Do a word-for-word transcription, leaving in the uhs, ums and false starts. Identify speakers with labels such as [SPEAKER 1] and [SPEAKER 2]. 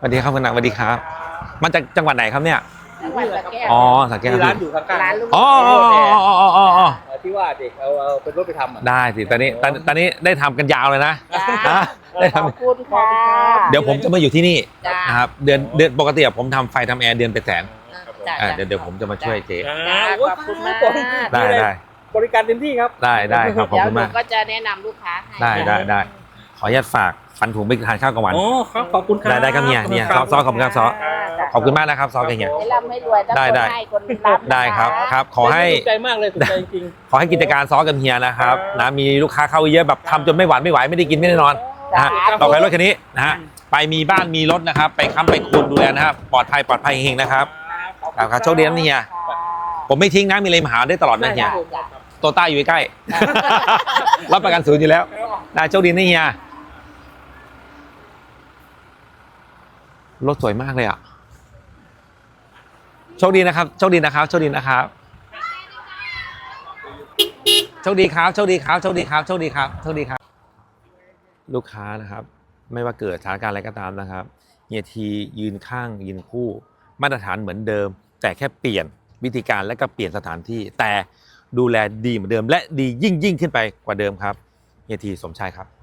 [SPEAKER 1] สวัสดีครับคุณนางสวัสดีครับมาจากจังหวัดไหนครับเนี่ย
[SPEAKER 2] จังหวัดสระแก้ว
[SPEAKER 1] อ๋อสระแก้ว
[SPEAKER 3] ร้านอยู่ข้างๆ
[SPEAKER 2] ร้านลูก
[SPEAKER 1] อ๋ออ๋ออ๋ออ๋ออ๋ออ๋อ
[SPEAKER 3] ที่ว่าเด็กเอาเอาเป็นรถไปทำอ่ะ
[SPEAKER 1] ได้สิตอนนี้ตอนตอนนี้ได้ทำกันยาวเลยนะนะได้ท
[SPEAKER 2] ขอบคุณค่ะ
[SPEAKER 1] ำเดี๋ยวผมจะมาอยู่ที่นี่
[SPEAKER 2] จ้า
[SPEAKER 1] นะครับเดือนเดือนปกติผมทำไฟทำแอร์เดือนเป็นแสน
[SPEAKER 2] จ้า
[SPEAKER 1] อ่าเดี๋ยวเดี๋ยวผมจะมาช่วยเจ๊
[SPEAKER 3] อ่า
[SPEAKER 2] จ้า
[SPEAKER 3] โอ้ย
[SPEAKER 2] ขอบคุณมาก
[SPEAKER 1] ได้ได้
[SPEAKER 3] บริการเต็มที่ครับ
[SPEAKER 1] ได้ได้ครับขอบ
[SPEAKER 2] เดี๋ยว
[SPEAKER 1] คุณ
[SPEAKER 2] หนู
[SPEAKER 1] มาก
[SPEAKER 2] ก็จะแนะนำลูกค้าให้
[SPEAKER 1] ได้ได้ได้ขออนุญาตฝากฟันถุงไปทานข้าวกลางวัน
[SPEAKER 3] โอ้ครับขอบคุณครับ
[SPEAKER 1] ได้ได้ครับเนี่ยเนี่ยซอซอขอบคุณครับซอ
[SPEAKER 2] จ้า
[SPEAKER 1] ขอบคุณมากนะครับซอกันเนี่ย
[SPEAKER 2] ให้ร่ำให้รวยทั้ง
[SPEAKER 1] ได้
[SPEAKER 2] คน
[SPEAKER 1] ได้
[SPEAKER 2] ให้คนรับนะะ
[SPEAKER 1] ได้ครับครับขอให้
[SPEAKER 3] ถูกใจมากเลยถูกใจจริง
[SPEAKER 1] ขอให้กิจการซอกับเฮียนะครับนะมีลูกค้าเข้าเยอะแบบทำจนไม่หวานไม่ไหวไม่ได้กินไม่ได้นอนนะฮะต่อไปรถคันนี้นะฮะไปมีบ้านมีรถนะครับไปค้ำไปคูณดูแลนะครับปลอดภัยปลอดภัยเฮงๆนะครับครับครับโชคดีนะเฮียผมไม่ทิ้งนะมีอะไรมาหาได้ตลอดนะเฮีย
[SPEAKER 2] จ้า
[SPEAKER 1] โตต้าอยู่ใกล้ๆ รับประกันศูนย์อยู่แล้วนะโชคดีนะเฮียรถสวยมากเลยอ่ะโชคดีนะครับโชคดีนะครับโชคดีนะครับโชคดีครับโชคดีครับโชคดีครับโชคดีครับโชคดีครับลูกค้านะครับไม่ว่าเกิดสถานการณ์อะไรก็ตามนะครับเฮียทียืนข้างยืนคู่มาตรฐานเหมือนเดิมแต่แค่เปลี่ยนวิธีการและก็เปลี่ยนสถานที่แต่ดูแลดีเหมือนเดิมและดียิ่งยิ่งขึ้นไปกว่าเดิมครับเฮียทีสมชายครับ